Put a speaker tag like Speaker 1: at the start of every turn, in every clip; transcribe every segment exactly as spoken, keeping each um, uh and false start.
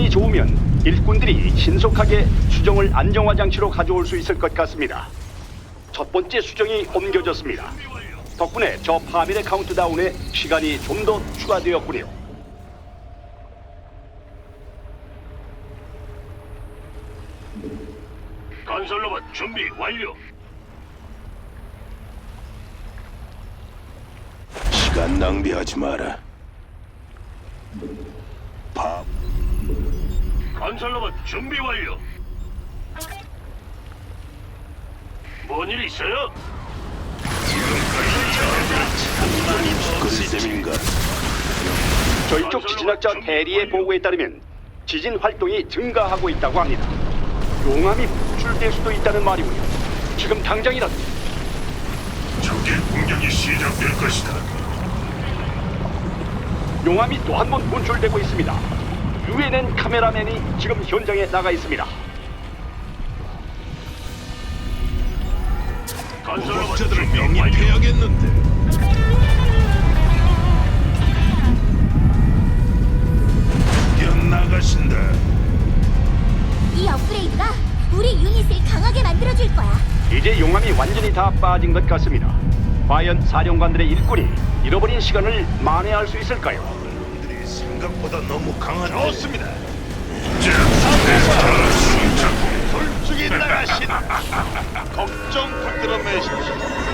Speaker 1: 상황이 좋으면 일꾼들이 신속하게 수정을 안정화 장치로 가져올 수 있을 것 같습니다. 첫 번째 수정이 옮겨졌습니다. 덕분에 저 파밀의 카운트다운에 시간이 좀 더 추가되었군요.
Speaker 2: 건설로봇 준비 완료.
Speaker 3: 시간 낭비하지 마라. 밥.
Speaker 2: 건설로봇 준비 완료. 뭔 일 있어요?
Speaker 3: 그리셈인가?
Speaker 1: 저희 쪽 지진학자 대리의 보고에 따르면 지진 활동이 증가하고 있다고 합니다. 용암이 분출될 수도 있다는 말이군요. 지금 당장이라도.
Speaker 2: 적의 공격이 시작될 것이다.
Speaker 1: 용암이 또 한 번 분출되고 있습니다. 유엔엔 카메라맨이 지금 현장에 나가 있습니다.
Speaker 2: 건설로봇
Speaker 3: 적자들을
Speaker 2: 준비 완료.
Speaker 3: 영입해야겠는데. 뛰어나가신다.
Speaker 4: 이 업그레이드가 우리 유닛을 강하게 만들어줄 거야.
Speaker 1: 이제 용암이 완전히 다 빠진 것 같습니다. 과연 사령관들의 일꾼이 잃어버린 시간을 만회할 수 있을까요?
Speaker 3: 놈들이 생각보다 너무 강한.
Speaker 2: 좋습니다.
Speaker 3: 솔직히 나가신. 걱정 붙들어 매십시오.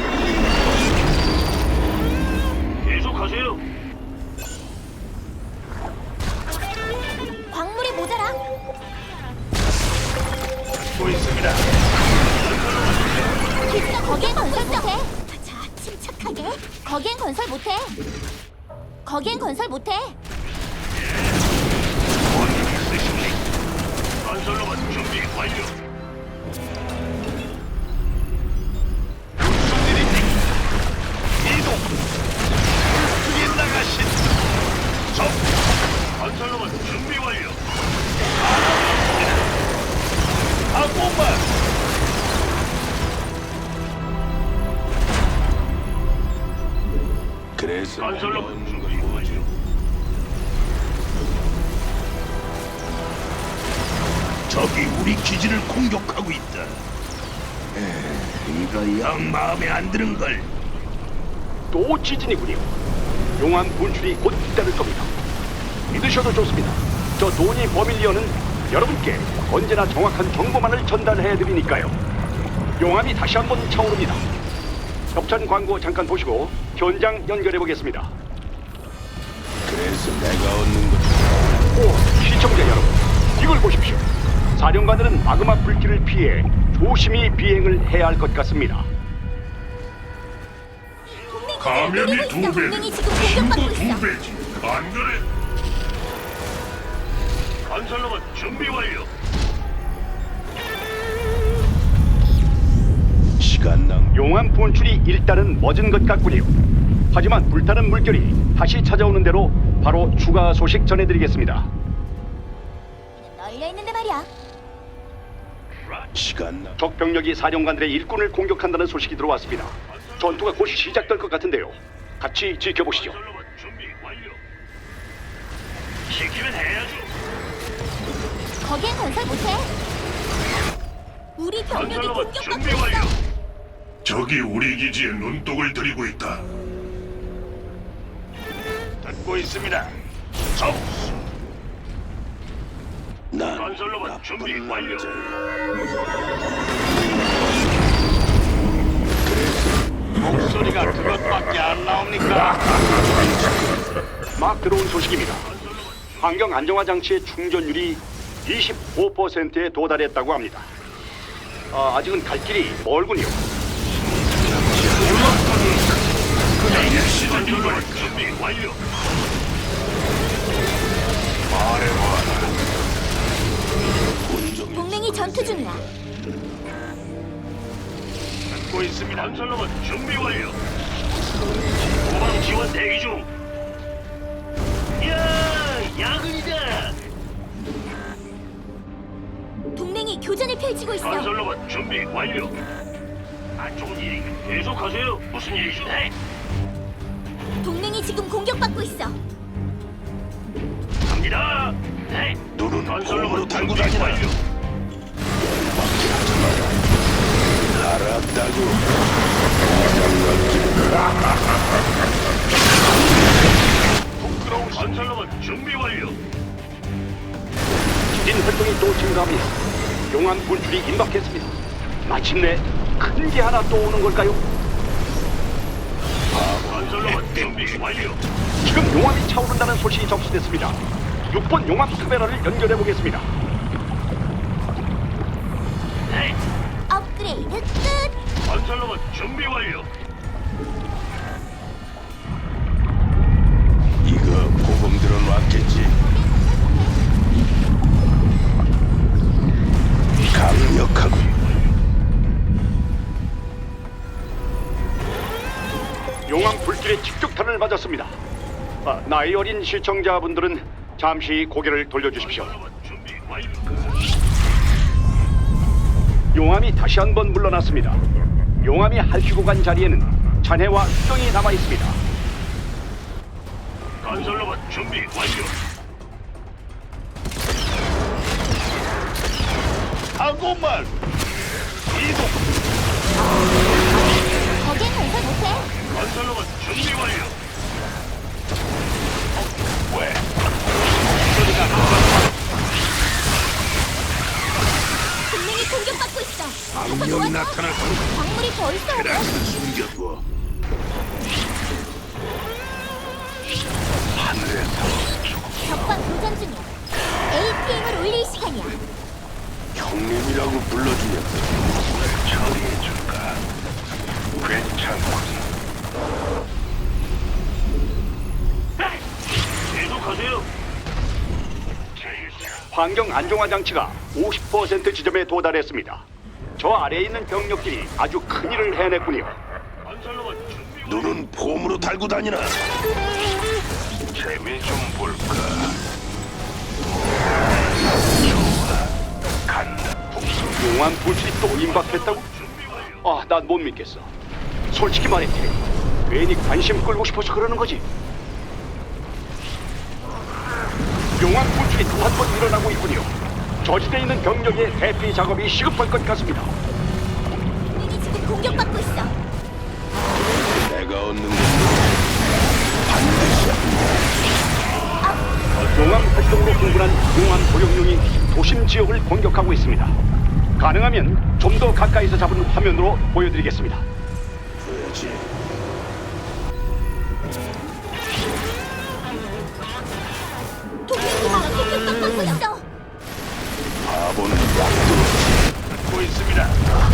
Speaker 2: 계속하세요.
Speaker 4: 광물이 모자라.
Speaker 3: 고 있습니다.
Speaker 4: 기지가 거기엔 건설 못해. 자, 침착하게. 거기엔 건설 못해. 거기엔 건설 못해.
Speaker 2: 건설로봇 준비 완료.
Speaker 3: 무슨 일입니까? 이동. 솔직히 나가신. 적.
Speaker 2: 건설로봇 준비 완료.
Speaker 3: 항공만. 그래서
Speaker 2: 건설로봇
Speaker 3: 내가
Speaker 2: 준비
Speaker 3: 얻는 건 뭐지?
Speaker 2: 완료.
Speaker 3: 적이 우리 기지를 공격하고 있다. 에, 이거 영 마음에 안 드는 걸.
Speaker 1: 또 지진이군요. 용암 분출이 곧 잇따를 겁니다. 믿으셔도 좋습니다. 저 도니 버밀리언은 여러분께 언제나 정확한 정보만을 전달해드리니까요. 용암이 다시 한번 차오릅니다. 협찬 광고 잠깐 보시고 현장 연결해보겠습니다.
Speaker 3: 그래서 내가 얻는 것.
Speaker 1: 오, 시청자 여러분, 이걸 보십시오. 사령관들은 마그마 불길을 피해 조심히 비행을 해야 할 것 같습니다.
Speaker 2: 감염이 두 배,
Speaker 4: 동맹이 지금
Speaker 2: 신고
Speaker 4: 공격받고
Speaker 2: 두
Speaker 4: 있어.
Speaker 2: 배지. 안 그래? 건설로봇 준비 완료.
Speaker 3: 시간 낭비.
Speaker 1: 용암 분출이 일단은 멎은 것 같군요. 하지만 불타는 물결이 다시 찾아오는 대로 바로 추가 소식 전해드리겠습니다.
Speaker 4: 널려 있는데 말이야.
Speaker 3: 시간 낭비.
Speaker 1: 적 병력이 사령관들의 일꾼을 공격한다는 소식이 들어왔습니다. 전투가 곧 시작될 것 같은데요. 같이 지켜보시죠.
Speaker 2: 건설로봇 준비 완료. 시키면 해야죠.
Speaker 4: 거기엔 건설 못해. 우리 병력이
Speaker 2: 건설로봇
Speaker 4: 공격받고
Speaker 2: 준비 완료.
Speaker 4: 있어.
Speaker 2: 적이 우리 기지에 눈독을 들이고 있다.
Speaker 3: 듣고 있습니다. 적. 난
Speaker 2: 건설로봇 준비
Speaker 3: 나쁜
Speaker 2: 완료.
Speaker 3: 남자야.
Speaker 2: 목소리가 그것밖에 안 나옵니까?
Speaker 1: 막 들어온 소식입니다. 환경 안정화 장치의 충전율이 이십오 퍼센트에 도달했다고 합니다. 아, 아직은 갈 길이 멀군요.
Speaker 2: 건설로봇 준비 완료.
Speaker 4: 동맹이 전투 중이야.
Speaker 2: 듣고 있습니다. 건설로봇 준비 완료. 후방 지원 대기 중. 야, 야근이다.
Speaker 4: 동맹이 교전을 펼치고 있어.
Speaker 2: 건설로봇 준비 완료. 안 좋은 일이 계속하세요. 무슨 일이죠? 네.
Speaker 4: 동맹이 지금 공격받고 있어.
Speaker 2: 갑니다. 네.
Speaker 3: 누르는 놈은 폼으로
Speaker 2: 건설로봇
Speaker 3: 달고
Speaker 2: 준비
Speaker 3: 다니라.
Speaker 2: 완료.
Speaker 3: 밖에 하지 마라. 알았다고.
Speaker 2: 부끄러운 건설로봇 준비 완료.
Speaker 1: 지진 활동이 또 증가합니다. 용암 분출이 임박했습니다. 마침내 큰 게 하나 또 오는 걸까요?
Speaker 2: 건설로봇 준비 완료.
Speaker 1: 지금 용암이 차오른다는 소식이 접수됐습니다. 육 번 용암 카메라를 연결해 보겠습니다.
Speaker 4: 업그레이드 끝.
Speaker 2: 건설로봇 준비 완료.
Speaker 3: 이거 보검들은 왔겠지. 강력하고
Speaker 1: 용암 불길에 직격탄을 맞았습니다. 아, 나이 어린 시청자분들은 잠시 고개를 돌려주십시오.
Speaker 2: 건설로봇 준비 완료.
Speaker 1: 용암이 다시 한번 물러났습니다. 용암이 핥히고 간 자리에는 잔해와 수정이 남아 있습니다.
Speaker 2: 건설로봇 준비 완료.
Speaker 3: 하고만 이동.
Speaker 4: 거긴 건설 못해.
Speaker 2: 건설로봇 준비 완료.
Speaker 3: 왜?
Speaker 4: 동맹이 공격받고 있어. 가서
Speaker 3: 악령이
Speaker 4: 도와줘.
Speaker 3: 나타날 거야.
Speaker 4: 광물이 벌써 오고.
Speaker 3: 그래서 숨겨둬.
Speaker 4: 적과 교전 중이야. 에이피엠을 올릴 시간이야.
Speaker 3: 형님이라고 불러주면
Speaker 2: 처리해줄까? 괜찮군. 계속하세요.
Speaker 1: 환경 안정화 장치가 오십 퍼센트 지점에 도달했습니다. 저 아래에 있는 병력들이 아주 큰일을 해냈군요.
Speaker 2: 건설로봇 준비 완료.
Speaker 3: 눈은 폼으로 달고 다니나.
Speaker 2: 재미 좀 볼까? 간다.
Speaker 1: 용암 불길이 또 임박했다고?
Speaker 2: 준비 완료.
Speaker 1: 아, 난 못 믿겠어. 솔직히 말해, 테리. 괜히 관심 끌고 싶어서 그러는 거지. 용암 불길이 또 한 번 일어나고 있군요. 저지대에 있는 병력의 대피 작업이 시급할 것 같습니다.
Speaker 4: 동맹이 지금 공격받고 있어.
Speaker 3: 내가 얻는 건 반드시
Speaker 1: 용암 활동으로 흥분한 용암 도룡룡이 도심 지역을 공격하고 있습니다. 가능하면 좀 더 가까이서 잡은 화면으로 보여드리겠습니다.
Speaker 3: 줘야지.
Speaker 4: 동맹 기지가 공격받고 있어.
Speaker 3: 바보는 약도
Speaker 2: 듣고 있습니다.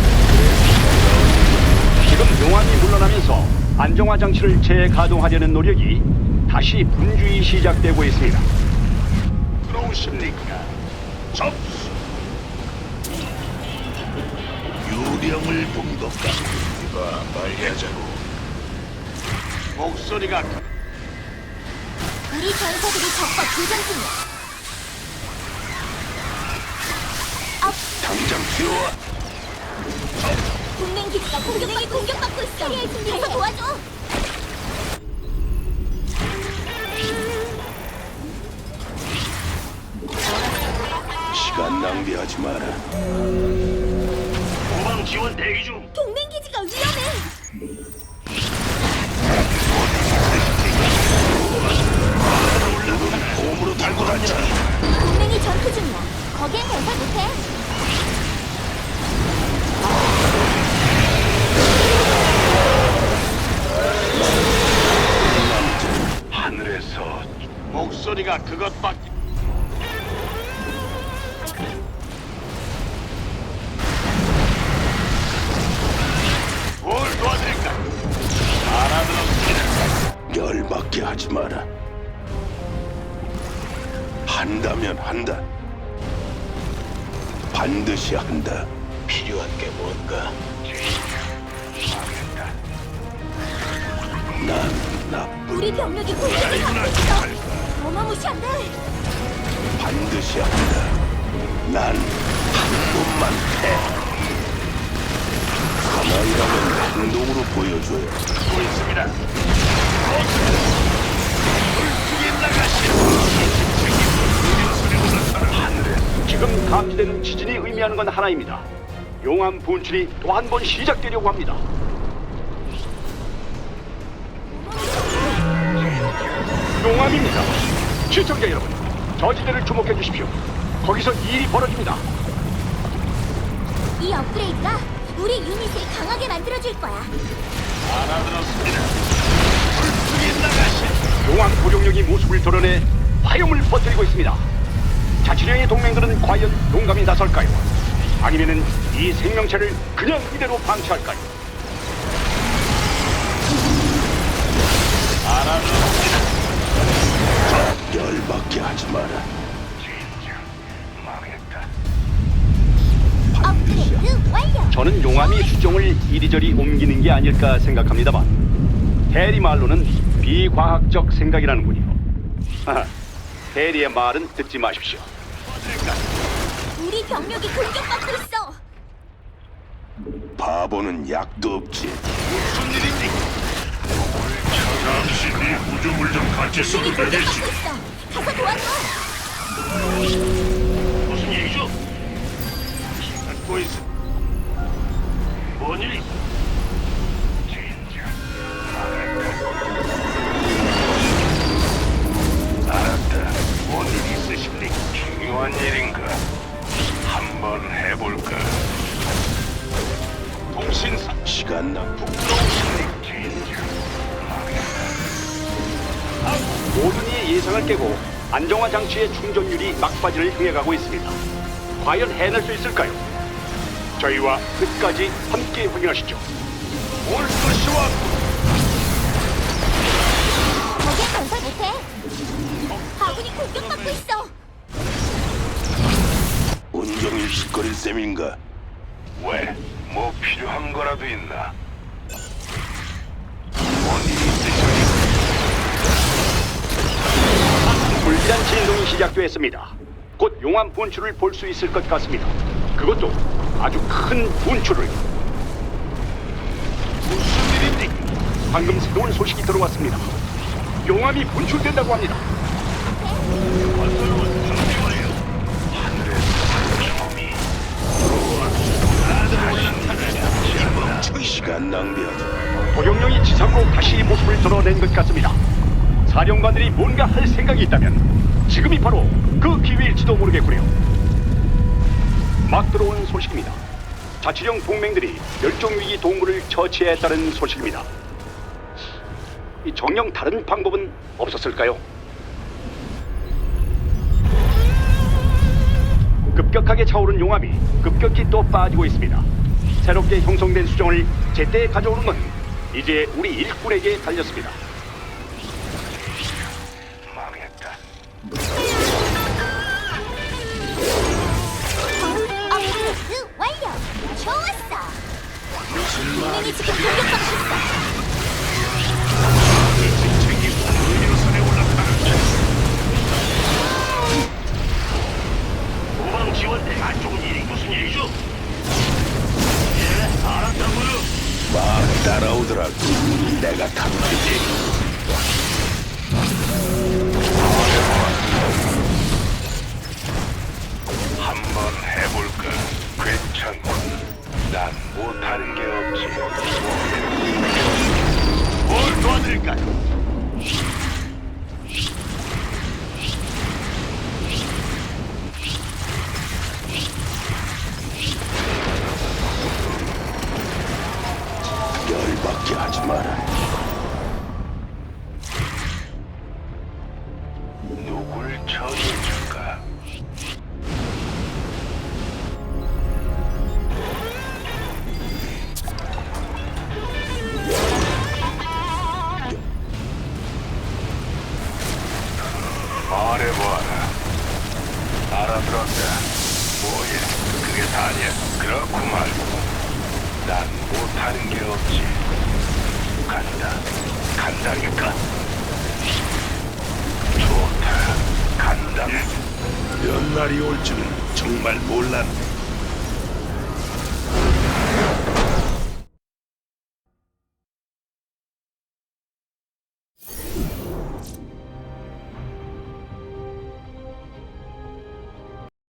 Speaker 1: 지금 용암이 물러나면서 안정화 장치를 재가동하려는 노력이 다시 분주히 시작되고 있습니다.
Speaker 2: 들어오십니까? 접수.
Speaker 3: 유령을 본 것 같아. 이봐, 빨리 하자고.
Speaker 2: 목소리가
Speaker 4: 우리 전사들이 적과 교전 중이야.
Speaker 3: 당장 뛰어와.
Speaker 4: 동맹 기지가 공격받고, 공격받고 있어. 캐리할 준비해서 도와줘.
Speaker 3: 시간 낭비하지 마라.
Speaker 2: 후방 지원 대기 중.
Speaker 4: 동맹 기지가 위험해.
Speaker 3: 눈은 폼으로 달고 다니라.
Speaker 4: 동맹이 전투 중이야. 거기엔 건설 못해.
Speaker 2: 하늘에서 목소리가 그것밖에. 뭘 도와드릴까? 알아들었습니다.
Speaker 3: 열받게 하지 마라. 한다면 한다. 반드시 한다. 필요한 게 뭔가? 난 나쁜.
Speaker 4: 우리 병력이 공격을 받고 있어. 어마무시한데.
Speaker 3: 반드시 한다. 난 한 번만 해. 가만히라면 행동으로 보여줘요.
Speaker 2: 듣고 있습니다. 물속에 나가시오. 하늘에
Speaker 1: 지금 감지되는 지진이 의미하는 건 하나입니다. 용암 분출이 또 한 번 시작되려고 합니다. 용암입니다. 시청자 여러분, 저 지대를 주목해 주십시오. 거기서 일이 벌어집니다.
Speaker 4: 이 업그레이드가 우리 유닛을 강하게 만들어줄 거야.
Speaker 2: 알아들었습니다. 불쑥이 나가시.
Speaker 1: 용암 고룡력이 모습을 드러내 화염을 퍼뜨리고 있습니다. 자치령의 동맹들은 과연 용감히 나설까요? 아니면은 이 생명체를 그냥 이대로 방치할까요?
Speaker 2: 알아들었습니다.
Speaker 3: 열받게 하지 마라.
Speaker 2: 진짜 망했다.
Speaker 4: 업그레이드 완료.
Speaker 1: 저는 용암이 수종을 이리저리 옮기는 게 아닐까 생각합니다만 대리 말로는 비과학적 생각이라는군요. 하하, 대리의 말은 듣지 마십시오.
Speaker 4: 우리 병력이 공격받고 있어.
Speaker 3: 바보는 약도 없지.
Speaker 2: 무슨 일인지. 잠시 네 구조물 좀 같이 써도
Speaker 4: 우리
Speaker 2: 되겠지.
Speaker 4: 공격받고 있어. 가서 도와줘.
Speaker 2: 무슨 일이죠? 듣고 있어. 뭔 일이? 진짜 망했다. 알았다. 뭔 일 있으십니까? 중요한 일인가? 한번 해볼까? 통신사
Speaker 3: 시간 낭비.
Speaker 2: 북동신님 진짜 망했다.
Speaker 1: 모든 이의 예상을 깨고 안정화 장치의 충전율이 막바지를 향해 가고 있습니다. 과연 해낼 수 있을까요? 저희와 끝까지 함께 확인하시죠.
Speaker 2: 올 것이와
Speaker 4: 거기엔 건설 못해. 아군이 공격받고 있어.
Speaker 3: 온종일 짓거릴 셈인가?
Speaker 2: 왜? 뭐 필요한 거라도 있나? 뭔 일이 있으십니까?
Speaker 1: 불길한 진동이 시작되었습니다. 곧 용암 분출을 볼 수 있을 것 같습니다. 그것도 아주 큰 분출을.
Speaker 2: 무슨 일입니까?
Speaker 1: 방금 새로운 소식이 들어왔습니다. 용암이 분출된다고 합니다.
Speaker 2: 건설로만 준비 완료. 하늘에서 좀이 나도 올라타는
Speaker 3: 시간 낭비하지.
Speaker 1: 도룡령이 지상으로 다시 모습을 드러낸 것 같습니다. 사령관들이 뭔가 할 생각이 있다면 지금이 바로 그 기회일지도 모르겠군요. 막 들어온 소식입니다. 자치령 동맹들이 멸종위기 동물을 처치했다는 소식입니다. 이 정녕 다른 방법은 없었을까요? 급격하게 차오른 용암이 급격히 또 빠지고 있습니다. 새롭게 형성된 수정을 제때 가져오는 건 이제 우리 일꾼에게 달렸습니다.
Speaker 2: 망했다.
Speaker 4: 업그레이드 완료. 좋았어. 동맹이 지금 공격받고 있어.
Speaker 2: 의료선에 올라타는 도방 지원대 안 좋은 일이 무슨 일이죠? 예, 알았다고요.
Speaker 3: 막 따라오더라고. 내가 탐지지.
Speaker 2: 한번 해볼까? 괜찮군. 난 못하는 게 없지. 뭘 도와드릴까요?
Speaker 3: 열받게 하지 마라.
Speaker 2: 누굴 처리해줄까? 말해봐라. 알아들었다. 뭐야, 그게 다냐? 그렇구만. 난 못하는 게 없지. 간다. 간다니까. 좋다. 간다.
Speaker 3: 몇 날이 올 줄은 정말 몰랐네.